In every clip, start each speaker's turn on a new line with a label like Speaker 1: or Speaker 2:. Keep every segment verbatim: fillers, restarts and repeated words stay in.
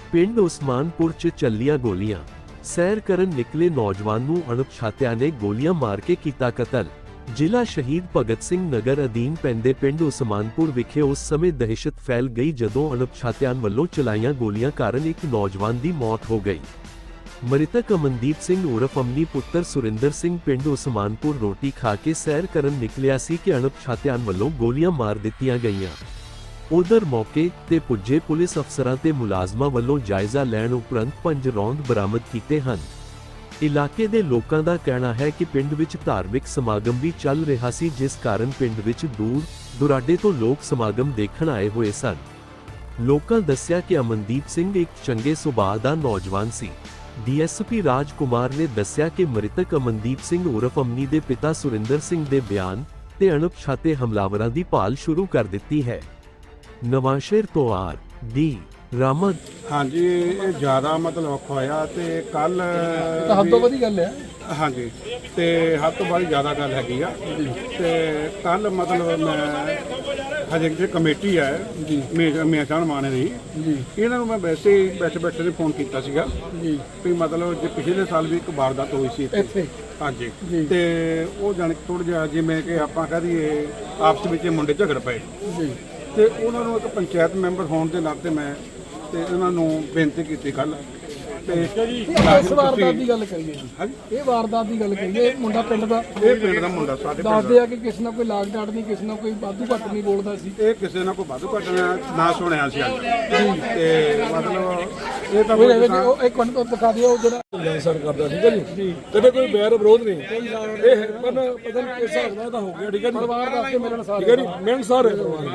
Speaker 1: ਪਿੰਡ ਉਸਮਾਨਪੁਰ 'ਚ ਚੱਲੀਆਂ ਗੋਲੀਆਂ। ਸੈਰ ਕਰਨ ਨਿਕਲੇ ਨੌਜਵਾਨ ਨੂੰ ਅਣਪਛਾਤਿਆਂ ਨੇ ਗੋਲੀਆਂ ਮਾਰ ਕੇ ਕੀਤਾ ਕਤਲ। ਜ਼ਿਲ੍ਹਾ ਸ਼ਹੀਦ ਭਗਤ ਸਿੰਘ ਨਗਰ ਅਧੀਨ ਪੈਂਦੇ ਪਿੰਡ ਉਸਮਾਨਪੁਰ ਵਿਖੇ ਉਸ ਸਮੇਂ ਦਹਿਸ਼ਤ ਫੈਲ ਗਈ ਜਦੋਂ ਅਣਪਛਾਤਿਆਂ ਵੱਲੋਂ ਚਲਾਈਆਂ ਗੋਲੀਆਂ ਕਾਰਨ ਇੱਕ ਨੌਜਵਾਨ ਦੀ ਮੌਤ ਹੋ ਗਈ। ਮ੍ਰਿਤਕ ਅਮਨਦੀਪ ਸਿੰਘ ਉਰਫ ਅਮਨੀ ਪੁੱਤਰ ਸੁਰਿੰਦਰ ਸਿੰਘ ਪਿੰਡ ਉਸਮਾਨਪੁਰ ਰੋਟੀ ਖਾ ਕੇ ਸੈਰ ਕਰਨ ਨਿਕਲਿਆ ਸੀ ਕਿ ਅਣਪਛਾਤਿਆਂ ਵੱਲੋਂ ਗੋਲੀਆਂ ਮਾਰ ਦਿੱਤੀਆਂ ਗਈਆਂ। ਉਧਰ ਮੌਕੇ ਤੇ ਪੁੱਜੇ ਪੁਲਿਸ ਅਫਸਰਾਂ ਤੇ ਮੁਲਾਜ਼ਮਾਂ ਵੱਲੋਂ ਜਾਇਜ਼ਾ ਲੈਣ ਉਪਰੰਤ ਪੰਜ ਰੌਂਦ ਬਰਾਮਦ ਕੀਤੇ ਹਨ। ਇਲਾਕੇ ਦੇ ਲੋਕਾਂ ਦਾ ਕਹਿਣਾ ਹੈ ਕਿ ਪਿੰਡ ਵਿੱਚ ਧਾਰਮਿਕ ਸਮਾਗਮ ਵੀ ਚੱਲ ਰਿਹਾ ਸੀ, ਜਿਸ ਕਾਰਨ ਪਿੰਡ ਵਿੱਚ ਦੂਰ ਦੁਰਾਡੇ ਤੋਂ ਲੋਕ ਸਮਾਗਮ ਦੇਖਣ ਆਏ ਹੋਏ ਸਨ। ਲੋਕਾਂ ਦੱਸਿਆ ਕਿ ਅਮਨਦੀਪ ਸਿੰਘ ਇੱਕ ਚੰਗੇ ਸੁਭਾਅ ਦਾ ਨੌਜਵਾਨ ਸੀ। ਡੀਐਸਪੀ ਰਾਜ ਕੁਮਾਰ ਨੇ ਦੱਸਿਆ ਕਿ ਮ੍ਰਿਤਕ ਅਮਨਦੀਪ ਸਿੰਘ ਉਰਫ ਅਮਨੀ ਦੇ ਪਿਤਾ ਸੁਰਿੰਦਰ ਸਿੰਘ ਦੇ ਬਿਆਨ ਤੇ ਅਣਪਛਾਤੇ ਹਮਲਾਵਰਾਂ ਦੀ ਭਾਲ ਸ਼ੁਰੂ ਕਰ ਦਿੱਤੀ ਹੈ। ਨਵਾਂਸ਼ਹਿਰ ਤੋਂ ਆਰ ਡੀ ਰਾਮਦ।
Speaker 2: ਹਾਂਜੀ, ਇਹ ਜ਼ਿਆਦਾ ਮਤਲਬ ਔਖਾ ਹੋਇਆ ਤੇ ਕੱਲ
Speaker 3: ਹੱਦ ਤੋਂ ਵਧੀ ਗੱਲ ਹੈ।
Speaker 2: ਹਾਂਜੀ, ਤੇ ਹੱਦ ਤੋਂ ਬਾਅਦ ਜ਼ਿਆਦਾ ਗੱਲ ਹੈਗੀ ਆ। ਤੇ ਕੱਲ ਮਤਲਬ ਮੈਂ ਹਜੇ ਜਿਹੜੀ ਕਮੇਟੀ ਹੈ ਜੀ ਮੇਸ਼ਾਨ ਮਾਨੇ ਦੀ ਜੀ, ਇਹਨਾਂ ਨੂੰ ਮੈਂ ਵੈਸੇ ਹੀ ਬੈਠੇ ਬੈਠੇ ਨੇ ਫੋਨ ਕੀਤਾ ਸੀਗਾ ਜੀ ਵੀ ਮਤਲਬ ਜੇ ਪਿਛਲੇ ਸਾਲ ਵੀ ਇੱਕ ਵਾਰਦਾਤ ਹੋਈ ਸੀ ਇੱਥੇ। ਹਾਂਜੀ, ਤੇ ਉਹ ਜਾਣ ਕੇ ਥੋੜ੍ਹਾ ਜਿਹਾ ਜਿਵੇਂ ਕਿ ਆਪਾਂ ਕਹਿ ਦਈਏ ਆਪਸ ਵਿੱਚ ਮੁੰਡੇ ਝਗੜ ਪਏ ਜੀ, ਤੇ ਉਹਨਾਂ ਨੂੰ ਇੱਕ ਪੰਚਾਇਤ ਮੈਂਬਰ ਹੋਣ ਦੇ ਨਾਤੇ ਮੈਂ ਤੇ ਉਹਨਾਂ ਨੂੰ ਬੇਨਤੀ ਕੀਤੀ ਕੱਲ। ਤੇ
Speaker 3: ਇਸ ਵਾਰਦਾਤ ਦੀ ਗੱਲ ਕਰੀਏ ਜੀ, ਇਹ ਵਾਰਦਾਤ ਦੀ ਗੱਲ ਕਰੀਏ, ਮੁੰਡਾ ਪਿੰਡ ਦਾ
Speaker 2: ਇਹ ਪਿੰਡ ਦਾ ਮੁੰਡਾ ਸਾਡੇ
Speaker 3: ਦੱਸਦੇ ਆ ਕਿ ਕਿਸੇ ਨਾਲ ਕੋਈ ਲਾਗ ਡਾਟ ਨਹੀਂ, ਕਿਸੇ ਨਾਲ ਕੋਈ ਵਾਧੂ ਘੱਟ ਨਹੀਂ ਬੋਲਦਾ ਸੀ।
Speaker 2: ਇਹ ਕਿਸੇ ਨਾਲ ਕੋਈ ਵਾਧੂ ਘੱਟ ਨਾ ਸੁਣਿਆ ਸੀ ਅੱਜ। ਤੇ ਮਤਲਬ ਇਹ ਤਾਂ
Speaker 3: ਉਹ ਇੱਕ ਮਿੰਟ ਤੋਂ ਦਿਖਾ ਦਿਓ, ਉਹ ਜਿਹੜਾ ਸਰ ਕਰਦਾ ਠੀਕ ਹੈ ਜੀ, ਕਦੇ ਕੋਈ ਬੈਰ ਵਿਰੋਧ ਨਹੀਂ। ਇਹ ਪਰ ਪਤਾ ਨਹੀਂ ਕਿਸ ਹਿਸਾਬ ਨਾਲ ਤਾਂ ਹੋ ਗਿਆ ਠੀਕ ਹੈ ਜੀ। ਪਰਿਵਾਰ ਦੱਸ ਕੇ ਮਿਲਣ ਸਾਰੇ ਠੀਕ ਹੈ ਜੀ, ਮਿਲਣ ਸਾਰੇ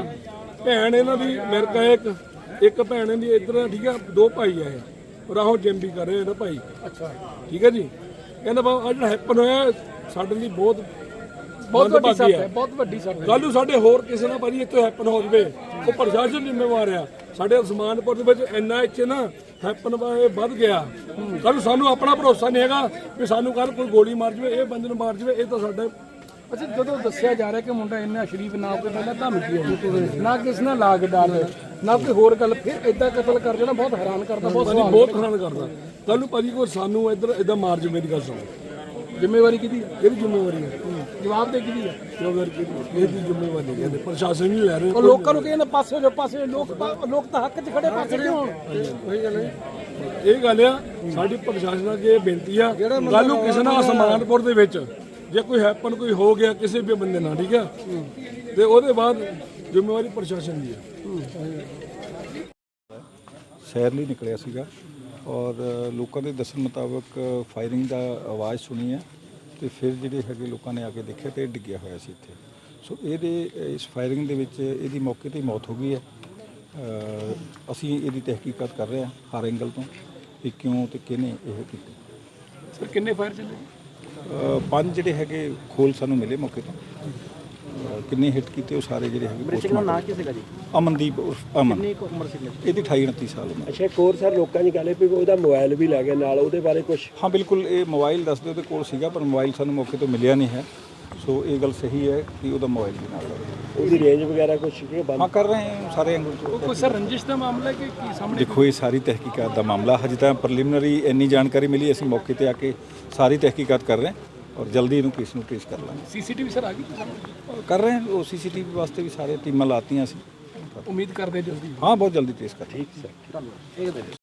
Speaker 3: ਭੈਣ ਇਹਨਾਂ ਦੀ ਅਮਰੀਕਾ ਇੱਕ ਇੱਕ ਭੈਣ ਇਹਦੀ ਇੱਧਰ ਠੀਕ ਹੈ, ਦੋ ਭਾਈ ਆ ਇਹ ਰਾਹੋਂ ਜਿਮ ਵੀ ਕਰ ਰਹੇ ਇਹਦਾ ਭਾਈ। ਅੱਛਾ ਠੀਕ ਹੈ ਜੀ। ਕਹਿੰਦਾ ਬਾ ਅੱਜ ਜਿਹੜਾ ਹੈਪਨ ਹੋਇਆ ਸਾਡੇ ਲਈ ਬਹੁਤ ਬਹੁਤ ਵੱਡੀ ਸੱਟ ਹੈ, ਬਹੁਤ ਵੱਡੀ ਸੱਟ ਹੈ। ਕੱਲ ਨੂੰ ਸਾਡੇ ਹੋਰ ਕਿਸੇ ਨਾਲ ਭਾਜੀ ਇੱਥੇ ਹੈਪਨ ਹੋ ਜਵੇ, ਉਹ ਪ੍ਰਸ਼ਾਸਨ ਜ਼ਿੰਮੇਵਾਰ ਆ। ਸਾਡੇ ਉਸਮਾਨਪੁਰ ਦੇ ਵਿੱਚ ਇੰਨਾ ਇੱਥੇ ਨਾ ਹੈਪਨ ਵੱਧ ਗਿਆ, ਕੱਲ ਸਾਨੂੰ ਆਪਣਾ ਭਰੋਸਾ ਨਹੀਂ ਹੈਗਾ ਵੀ ਸਾਨੂੰ ਕੱਲ ਕੋਈ ਗੋਲੀ ਮਾਰ ਜਵੇ, ਇਹ ਬੰਦੇ ਨੂੰ ਮਾਰ ਜਵੇ। ਇਹ ਤਾਂ ਸਾਡੇ ਅੱਛਾ, ਜਦੋਂ ਦੱਸਿਆ ਜਾ ਰਿਹਾ ਕਿ ਮੁੰਡਾ ਇੰਨਾ ਸ਼ਰੀਫ, ਨਾ ਕੋਈ ਪਹਿਲਾਂ ਧਮਕੀ ਹੋਈ, ਨਾ ਕਿਸੇ ਨਾਲ ਲਾਗ ਡਾਟ, ਨਾ ਕੋਈ ਹੋਰ ਗੱਲ, ਫਿਰ ਇਦਾਂ ਕਤਲ ਕਰ ਜਾਣਾ ਬਹੁਤ ਹੈਰਾਨ ਕਰਦਾ, ਬਹੁਤ ਬਹੁਤ ਹੈਰਾਨ ਕਰਦਾ। ਕੱਲ ਨੂੰ ਭਾਜੀ ਕੋਈ ਸਾਨੂੰ ਇੱਧਰ ਇਦਾਂ ਮਾਰ ਜਵੇ ਦੀ ਗੱਲ ਸੁਣੋ। ਜ਼ਿੰਮੇਵਾਰੀ ਕਿਹਦੀ ਹੈ? ਕਿਹਦੀ ਜ਼ਿੰਮੇਵਾਰੀ ਹੈ? ਜਵਾਬ ਦੇ ਕਿਹਦੀ ਹੈ? ਇਹਦੀ ਜ਼ਿੰਮੇਵਾਰੀ ਨਹੀਂ ਕਹਿੰਦੇ, ਪ੍ਰਸ਼ਾਸਨ ਨਹੀਂ ਲੈ ਰਹੇ। ਉਹ ਲੋਕਾਂ ਨੂੰ ਕਹਿੰਦੇ ਪਾਸੇ ਜੋ ਪਾਸੇ, ਲੋਕ ਲੋਕ ਤਾਂ ਹੱਕ 'ਚ ਖੜੇ, ਪਾਸੇ ਕਿਉਂ ਹੋਣ? ਉਹੀ ਗੱਲ ਹੈ, ਇਹ ਗੱਲ ਆ ਸਾਡੀ ਪ੍ਰਸ਼ਾਸਨ ਅੱਗੇ ਬੇਨਤੀ ਆ। ਕੱਲ ਨੂੰ ਕਿਸੇ ਨਾਲ ਉਸਮਾਨਪੁਰ ਦੇ ਵਿੱਚ ਜੇ ਕੋਈ ਹੈਪਨ ਕੋਈ ਹੋ ਗਿਆ ਕਿਸੇ ਵੀ ਬੰਦੇ ਨਾਲ, ਠੀਕ ਹੈ, ਤੇ ਉਹਦੇ ਬਾਅਦ ਜ਼ਿੰਮੇਵਾਰੀ ਪ੍ਰਸ਼ਾਸਨ ਦੀ ਹੈ।
Speaker 4: ਸੈਰ ਲਈ ਨਿਕਲਿਆ ਸੀਗਾ ਔਰ ਲੋਕਾਂ ਦੇ ਦੱਸਣ ਮੁਤਾਬਕ ਫਾਇਰਿੰਗ ਦਾ ਆਵਾਜ਼ ਸੁਣੀ ਹੈ ਤੇ ਫਿਰ ਜਿਹੜੇ ਹੈਗੇ ਲੋਕਾਂ ਨੇ ਆ ਕੇ ਦੇਖਿਆ ਤੇ ਡਿੱਗਿਆ ਹੋਇਆ ਸੀ ਇੱਥੇ। ਸੋ ਇਹਦੇ ਇਸ ਫਾਇਰਿੰਗ ਦੇ ਵਿੱਚ ਇਹਦੀ ਮੌਕੇ 'ਤੇ ਮੌਤ ਹੋ ਗਈ ਹੈ। ਅਸੀਂ ਇਹਦੀ ਤਹਿਕੀਕਾਤ ਕਰ ਰਹੇ ਹਾਂ ਹਰ ਐਂਗਲ ਤੋਂ ਕਿ ਕਿਉਂ ਤੇ ਕਿਹਨੇ ਇਹ ਕੀਤੀ।
Speaker 3: ਸਰ ਕਿੰਨੇ ਫਾਇਰ ਚੱਲੇ?
Speaker 4: ਪੰਜ ਜਿਹੜੇ ਹੈਗੇ ਖੋਲ ਸਾਨੂੰ ਮਿਲੇ ਮੌਕੇ ਤੋਂ। ਕਿੰਨੇ ਹਿੱਟ ਕੀਤੇ ਉਹ ਸਾਰੇ ਜਿਹੜੇ ਹੈਗੇ।
Speaker 5: ਨਾਂ ਕੀ ਸੀਗਾ ਜੀ?
Speaker 4: ਅਮਨਦੀਪ ਉਰਫ ਅਮਨ।
Speaker 5: ਕਿੰਨੀ ਕੁ ਉਮਰ ਸੀ?
Speaker 4: ਇਹਦੀ ਅਠਾਈ ਉਨੱਤੀ ਸਾਲ ਉਮਰ।
Speaker 5: ਅੱਛਾ, ਇੱਕ ਹੋਰ ਸਰ ਲੋਕਾਂ ਦੀ ਗੱਲ ਹੈ ਵੀ ਉਹਦਾ ਮੋਬਾਈਲ ਵੀ ਲੈ ਗਏ ਨਾਲ, ਉਹਦੇ ਬਾਰੇ ਕੁਝ?
Speaker 4: ਹਾਂ ਬਿਲਕੁਲ, ਇਹ ਮੋਬਾਈਲ ਦੱਸਦੇ ਉਹਦੇ ਕੋਲ ਸੀਗਾ ਪਰ ਮੋਬਾਈਲ ਸਾਨੂੰ ਮੌਕੇ ਤੋਂ ਮਿਲਿਆ ਨਹੀਂ ਹੈ। ਸੋ ਇਹ ਗੱਲ ਸਹੀ ਹੈ ਕਿ ਉਹਦਾ ਮੋਬਾਈਲ ਵੀ ਨਾਲ ਲੱਗਾ।
Speaker 5: ਉਹਦੀ ਰੇਂਜ ਵਗੈਰਾ ਕੁਝ?
Speaker 4: ਹਾਂ ਕਰ ਰਹੇ ਹਾਂ ਸਾਰੇ ਐਂਗਲ ਤੋਂ।
Speaker 3: ਕੋਈ ਸਰ ਰੰਜਿਸ਼ ਦਾ ਮਾਮਲਾ ਹੈ ਕਿ ਕੀ ਸਾਹਮਣੇ?
Speaker 4: ਦੇਖੋ, ਇਹ ਸਾਰੀ ਤਹਿਕੀਕਾਤ ਦਾ ਮਾਮਲਾ ਹਜੇ ਤਾਂ ਪ੍ਰੀਲਿਮਿਨਰੀ ਇੰਨੀ ਜਾਣਕਾਰੀ ਮਿਲੀ, ਅਸੀਂ ਮੌਕੇ ਤੇ ਆ ਕੇ ਸਾਰੀ ਤਹਿਕੀਕਾਤ ਕਰ ਰਹੇ ਹਾਂ ਔਰ ਜਲਦੀ ਇਹਨੂੰ ਕੇਸ ਨੂੰ ਟ੍ਰੇਸ ਕਰ ਲਾਂਗੇ।
Speaker 3: ਸੀਸੀਟੀਵੀ ਸਰ ਆ ਗਈ
Speaker 4: ਕਰ ਰਹੇ ਹਾਂ, ਉਹ ਸੀਸੀਟੀਵੀ ਵਾਸਤੇ ਵੀ ਸਾਰੇ ਟੀਮਾਂ ਲਾਤੀਆਂ ਸੀ।
Speaker 3: ਉਮੀਦ ਕਰਦੇ ਜਲਦੀ?
Speaker 4: ਹਾਂ ਬਹੁਤ ਜਲਦੀ ਟ੍ਰੇਸ ਕਰ।
Speaker 5: ਠੀਕ ਸਰ, ਧੰਨਵਾਦ।